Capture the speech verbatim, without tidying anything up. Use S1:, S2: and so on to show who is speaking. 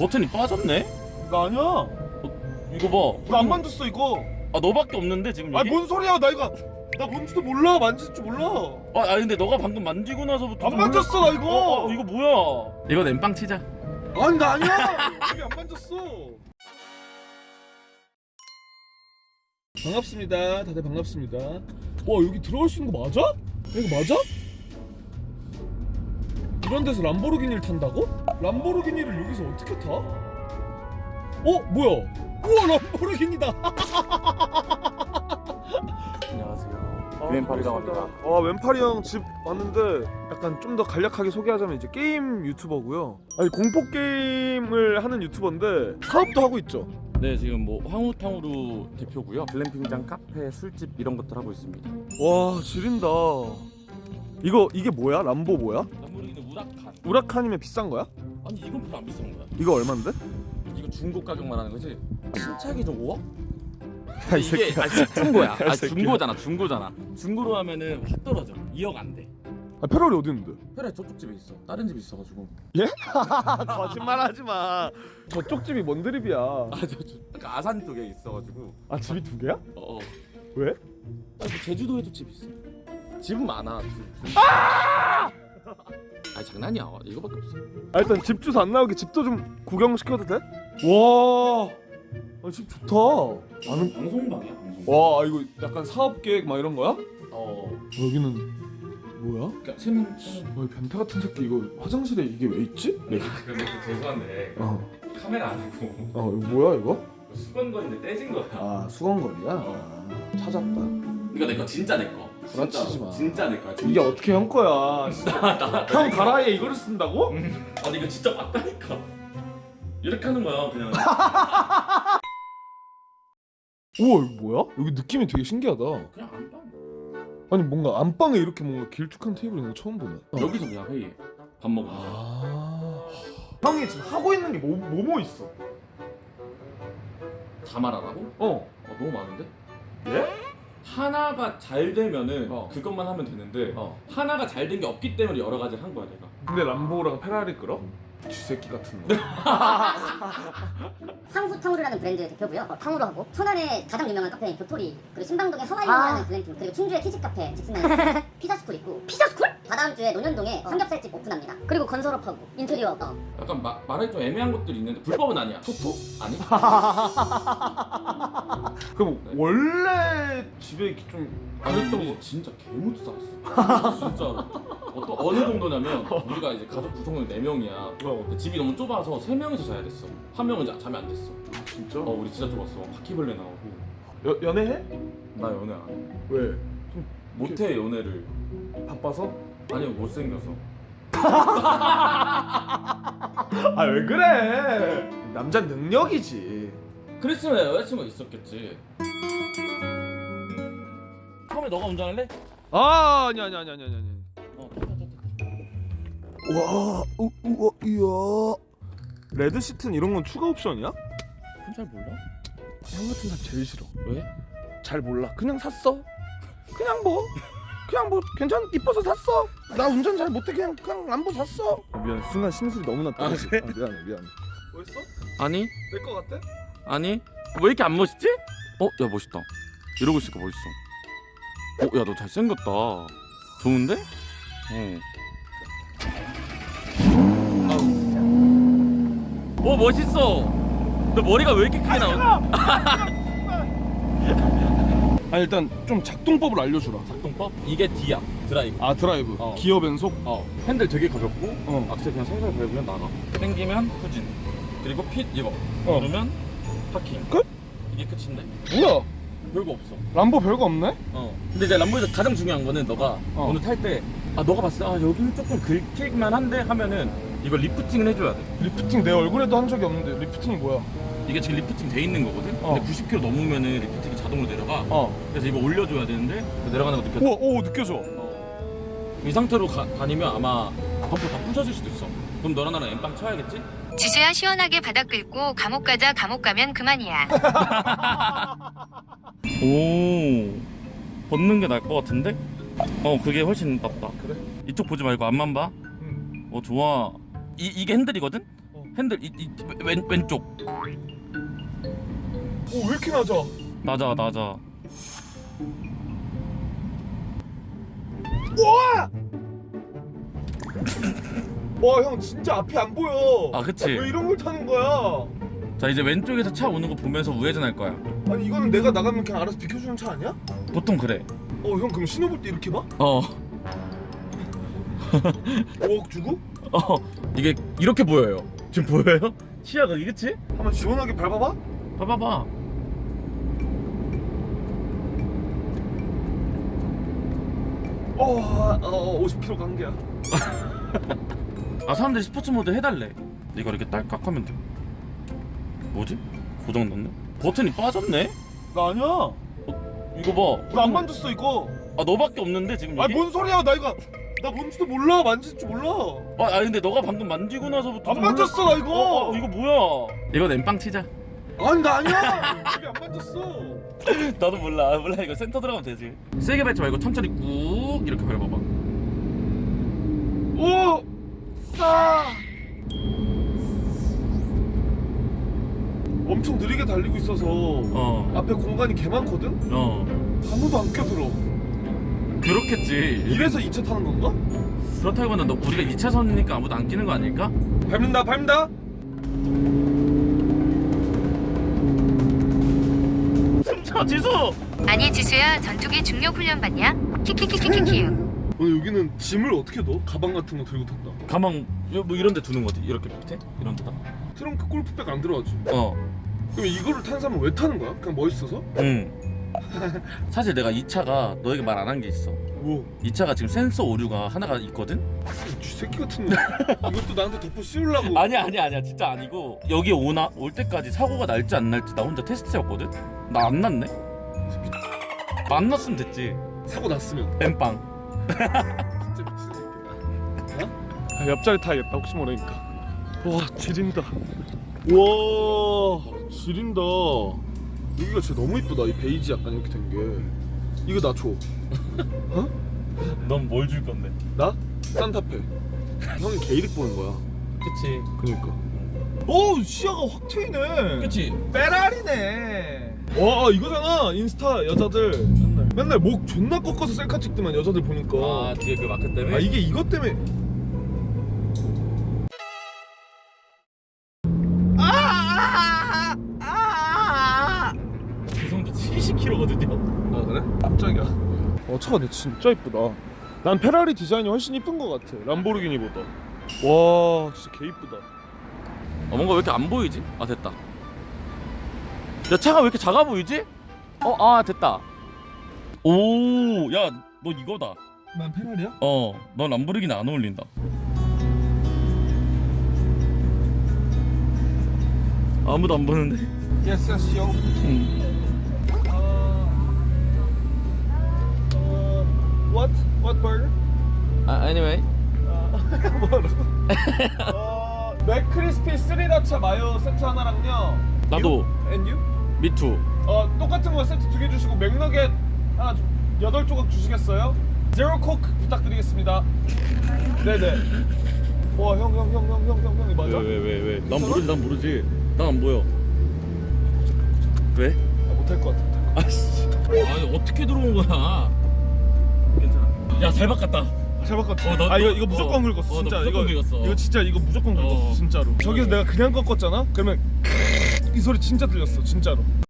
S1: 버튼이 빠졌네?
S2: 나 아니야.
S1: 어, 이거 봐.
S2: 나 안 만졌어 이거.
S1: 아 너밖에 없는데 지금
S2: 아니
S1: 이게?
S2: 뭔 소리야? 나 이거 나 뭔지도 몰라. 만질 줄 몰라.
S1: 아, 아니 근데 너가 방금 만지고 나서부터
S2: 안 만졌어 나 이거.
S1: 어, 어 이거 뭐야? 이거 엠빵 치자.
S2: 아니 나 아니야. 여기 안 만졌어. 반갑습니다. 다들 반갑습니다. 와 여기 들어갈 수 있는 거 맞아? 이거 맞아? 이런 데서 람보르기니를 탄다고? 람보르기니를 여기서 어떻게 타? 어? 뭐야? 우와 람보르기니다.
S1: 안녕하세요. 웬팔이라고 합니다.
S2: 아 웬팔이 형 집 왔는데 약간 좀 더 간략하게 소개하자면 이제 게임 유튜버고요. 아니 공포 게임을 하는 유튜버인데 사업도 하고 있죠.
S1: 네 지금 뭐 황우탕후루 대표고요. 글램핑장, 카페, 술집 이런 것들 하고 있습니다.
S2: 와 지린다. 이거 이게 뭐야? 람보 뭐야?
S1: 람보르기니 우라칸.
S2: 우라칸이면 비싼 거야?
S1: 아니 이건 별로 안 비싼 거야.
S2: 이거 얼만데?
S1: 이거 중고 가격 말하는 거지? 신차기 좀 오억?
S2: 야, 이
S1: 이게
S2: 새끼야.
S1: 아 중고야. 아
S2: 새끼야.
S1: 중고잖아 중고잖아. 중고로 하면은 확 떨어져. 이억 안 돼.
S2: 아 페라리 어디 있는데?
S1: 페라리 저쪽 집에 있어. 다른 집에 있어가지고.
S2: 거짓말하지 마. 저쪽 집이 뭔 드립이야?
S1: 아 저 저. 그러니까 아산 쪽에 있어가지고.
S2: 아 집이 두 개야?
S1: 어. 어.
S2: 왜?
S1: 아, 뭐 제주도에도 집 있어. 집은 많아. 집. 아! 아니 장난이야. 이거밖에 없어.
S2: 아 일단 집 주소 안 나오게 집도 좀 구경시켜도 돼? 와, 아, 집 좋다. 아는
S1: 방송방이야 방송.
S2: 와 이거 약간 사업 계획 막 이런 거야?
S1: 어.
S2: 여기는 뭐야?
S1: 그러니까 세면.
S2: 어, 이 변태 같은 새끼 이거 화장실에 이게 왜 있지?
S1: 근데 근데 죄송한데
S2: 어,
S1: 카메라 아니고
S2: 어 이거 뭐야 이거?
S1: 수건거리인데 떼진 거야.
S2: 아 수건거리야? 아, 찾았다.
S1: 이거 내 거 진짜 내 거.
S2: 구라치지 마.
S1: 진짜 내 거야.
S2: 이게 어떻게 형 거야? 형 가라에 이거를 쓴다고?
S1: 아니 이거 진짜 맞다니까. 이렇게 하는 거야 그냥.
S2: 우와 이거 뭐야? 여기 느낌이 되게 신기하다.
S1: 그냥 안방.
S2: 아니 뭔가 안방에 이렇게 뭔가 길쭉한 테이블 있는 거 처음 보네.
S1: 여기서 그냥 회의해. 밥 먹으면서.
S2: 아. 형이 지금 하고 있는 게 뭐 뭐 뭐 있어?
S1: 다 말하라고?
S2: 어.
S1: 어, 너무 많은데?
S2: 예?
S1: 하나가 잘 되면은
S2: 어.
S1: 그것만 하면 되는데
S2: 어.
S1: 하나가 잘 된 게 없기 때문에 여러 가지를 한 거야 내가.
S2: 근데 람보랑 페라리 끌어? 쥐새끼 같은 거.
S3: 황후탕후루라는 브랜드 대표고요. 어, 탕후루 하고 천안에 가장 유명한 카페인 교토리, 그리고 신방동에 하와이온이라는 글램핑, 그리고 충주에 키즈 카페 직승라인 피자스쿨 있고 피자스쿨? 다다음 주에 논현동에 삼겹살집 오픈합니다. 그리고 건설업하고 인테리어 어.
S1: 약간 마, 말하기 좀 애매한 것들이 있는데 불법은 아니야. 토토? 아니?
S2: 그럼 원래 집에 이렇게 좀
S1: 아니
S2: 그랬던
S1: 우리
S2: 거?
S1: 진짜 개못 살았어. 진짜로. 어떤 어느 정도냐면 우리가 이제 가족 구성원 네 명이야.
S2: 어.
S1: 근데 집이 너무 좁아서 세 명이서 자야 됐어. 한 명은 자, 잠이 안 됐어.
S2: 진짜?
S1: 어 우리 진짜 좁았어. 바퀴벌레 나오고.
S2: 여, 연애해?
S1: 나 연애 안 해.
S2: 왜?
S1: 못해 연애를.
S2: 바빠서?
S1: 아니 못생겨서.
S2: 아 왜 그래? 남자 능력이지.
S1: 그랬으면 여자친구가 있었겠지. 처음에 너가 운전할래?
S2: 아 아니 아니 아니 아니 아니. 아니.
S1: 어.
S2: 와, 우, 우와, 이야. 레드 시트는 이런 건 추가 옵션이야?
S1: 그건 잘 몰라.
S2: 형 같은 사람 제일 싫어.
S1: 왜?
S2: 잘 몰라. 그냥 샀어. 그냥 뭐, 그냥 뭐 괜찮 이뻐서 샀어. 나 운전 잘 못해 그냥 그냥 람보 샀어. 아, 미안. 순간 심술이 너무 났다.
S1: 아, 그래?
S2: 아, 미안해 미안해. 뭐였어?
S1: 아니
S2: 내 거 같아?
S1: 아니 왜 이렇게 안 멋있지? 어? 야 멋있다. 이러고 있으니까 멋있어. 어? 야 너 잘생겼다. 좋은데? 어. 오 멋있어. 너 머리가 왜 이렇게 크게 나오지?
S2: 아 일단 좀 작동법을 알려주라.
S1: 작동법? 이게 D야. 드라이브.
S2: 아 드라이브.
S1: 어.
S2: 기어 변속.
S1: 어. 핸들 되게 가볍고
S2: 어.
S1: 악셀 그냥 살살 밟으면 나가. 당기면 후진. 그리고 핏 이거.
S2: 어.
S1: 누르면 파킹.
S2: 끝?
S1: 이게 끝인데.
S2: 뭐야?
S1: 별거 없어.
S2: 람보 별거 없네?
S1: 어. 근데 이제 람보에서 가장 중요한 거는 너가
S2: 어.
S1: 오늘 탈 때 아 너가 봤을 때 아 여기는 조금 긁힐만 한데 하면은 이거 리프팅을 해줘야 돼.
S2: 리프팅 내 얼굴에도 한 적이 없는데 리프팅이 뭐야?
S1: 이게 지금 리프팅 돼 있는 거거든.
S2: 어.
S1: 근데 구십 킬로미터 넘으면은 리프팅이 자동으로 내려가.
S2: 어.
S1: 그래서 이거 올려줘야 되는데 내려가는 거 느껴져.
S2: 우와, 오 느껴져.
S1: 어. 이 상태로 가, 다니면 아마 범퍼 다 부서질 수도 있어. 그럼 너랑 나랑 엠빵 쳐야겠지?
S4: 지수야 시원하게 바닥 긁고 감옥 가자. 감옥 가면 그만이야.
S1: 오 벗는 게 나을 것 같은데? 어 그게 훨씬 낫다.
S2: 그래?
S1: 이쪽 보지 말고 앞만 봐.
S2: 응.
S1: 어 좋아. 이 이게 핸들이거든?
S2: 어.
S1: 핸들 이, 이, 왼, 왼쪽.
S2: 오 왜 이렇게 낮아?
S1: 낮아 낮아.
S2: 와! 와 형 진짜 앞이 안 보여.
S1: 아 그치.
S2: 왜 이런 걸 타는 거야?
S1: 자 이제 왼쪽에서 차 오는 거 보면서 우회전할 거야.
S2: 아니 이거는 내가 나가면 그냥 알아서 비켜주는 차 아니야?
S1: 보통 그래.
S2: 어 형 그럼 신호 볼 때 이렇게 봐?
S1: 어.
S2: 오억 주고?
S1: 어. 이게 이렇게 보여요. 지금 보여요? 시야가 이게 그치?
S2: 한번 시원하게 밟아봐?
S1: 봐봐봐.
S2: 어, 어 오십 킬로미터 간 게야.
S1: 아 사람들이 스포츠 모드 해달래. 이거 이렇게 딸깍 하면 돼. 뭐지? 고장 났네? 버튼이 빠졌네?
S2: 나 아니야.
S1: 이거 봐.
S2: 나 안 만졌어 이거.
S1: 아 너밖에 없는데 지금 여기?
S2: 아니 뭔 소리야? 나 이거 나 뭔지도 몰라. 만질 줄 몰라.
S1: 아, 아 근데 너가 방금 만지고 나서부터
S2: 안
S1: 좀
S2: 만졌어 나 이거.
S1: 어, 어, 이거 뭐야? 이거 엠빵 치자.
S2: 아니 나 아니야. 이게 안 만졌어.
S1: 나도 몰라. 아, 몰라. 이거 센터 들어가면 되지. 세게 밟지 말고 천천히 꾹 이렇게 밟아봐.
S2: 오! 싸! 엄청 느리게 달리고 있어서
S1: 어.
S2: 앞에 공간이 개 많거든?
S1: 어.
S2: 아무도 안 껴들어.
S1: 그렇겠지.
S2: 이래서 이 차 타는 건가?
S1: 그렇다기보다 너 우리가 이 차선이니까 아무도 안 끼는 거 아닐까?
S2: 밟는다 밟는다.
S1: 숨차 지수.
S4: 아니 지수야 전투기 중력 훈련 받냐? 키키키키키키.
S2: 오늘 여기는 짐을 어떻게 넣어? 가방 같은 거 들고 탄다.
S1: 가방 요- 뭐 이런 데 두는 거지. 이렇게 밑에 이런 데다.
S2: 트렁크 골프백 안 들어가지.
S1: 어.
S2: 그럼 이거를 탄 사람은 왜 타는 거야? 그냥 멋있어서?
S1: 응. 사실 내가 이 차가 너에게 말 안 한 게 있어.
S2: 뭐?
S1: 이 차가 지금 센서 오류가 하나가 있거든?
S2: 쥐새끼 같은 거. 이것도 나한테 덮어 씌우려고.
S1: 아니야 아니야 아니야 진짜 아니고 여기 오나 올 때까지 사고가 날지 안 날지 나 혼자 테스트해봤거든? 나 안 났네? 안 났으면 됐지.
S2: 사고 났으면.
S1: 엠빵.
S2: 진짜 미친 새끼다. 어? 아, 옆자리 타야겠다. 혹시 모르니까. 와 지린다. 와 지린다. 여기가 진짜 너무 이쁘다. 이 베이지 약간 이렇게 된 게. 이거 나 줘. 어?
S1: 넌 뭘 줄 건데?
S2: 나? 산타페. 형이 게이득 보는 거야.
S1: 그치.
S2: 그니까. 오 시야가 확 트이네.
S1: 그치.
S2: 페라리네. 와 이거잖아. 인스타 여자들 맨날 맨날 목 존나 꺾어서 셀카 찍더만 여자들 보니까.
S1: 아 뒤에 그 마크 때문에?
S2: 아 이게 이것 때문에.
S1: 기성도 칠십 킬로미터거든요?
S2: 아 그래? 깜짝이야. 어 차가 근데 진짜 이쁘다. 난 페라리 디자인이 훨씬 이쁜 것 같아. 람보르기니보다. 와 진짜 개 이쁘다.
S1: 어 뭔가 왜 이렇게 안 보이지? 아 됐다. 야 차가 왜 이렇게 작아 보이지? 어 아 됐다. 오 야 너 이거다.
S2: 난 페라리야?
S1: 어넌 람보르기니 안 어울린다. 아무도 안 보는데.
S2: Yes, yes, yo.
S1: 응.
S2: 어, what? What burger?
S1: 아 anyway.
S2: 뭐라고? 어, 맥크리스피 스리라차 마요 세트 하나랑요.
S1: 나도.
S2: You? And you?
S1: 미투.
S2: 어 똑같은 거 세트 두 개 주시고 맥너겟 하나 주, 여덟 조각 주시겠어요? 제로 코크 부탁드리겠습니다. 네네. 와 형 형 형 형 형 형 형이 맞아?
S1: 왜 왜 왜 왜? 난 모르지 난 모르지. 난 안 보여. 왜?
S2: 아, 못할 것 같아.
S1: 아씨. 아니 어떻게 들어온 거야? 괜찮아. 야 잘 바꿨다.
S2: 잘 바꿨지?
S1: 어, 너-
S2: 아 이거
S1: 너-
S2: 이거 무조건
S1: 어.
S2: 긁었어
S1: 어, 너
S2: 진짜.
S1: 무조건
S2: 이거
S1: 긁었어.
S2: 이거 진짜 이거 무조건 긁었어
S1: 어.
S2: 진짜로. 저기서 내가 그냥 꺾었잖아? 그러면 이 소리 진짜 들렸어 진짜로.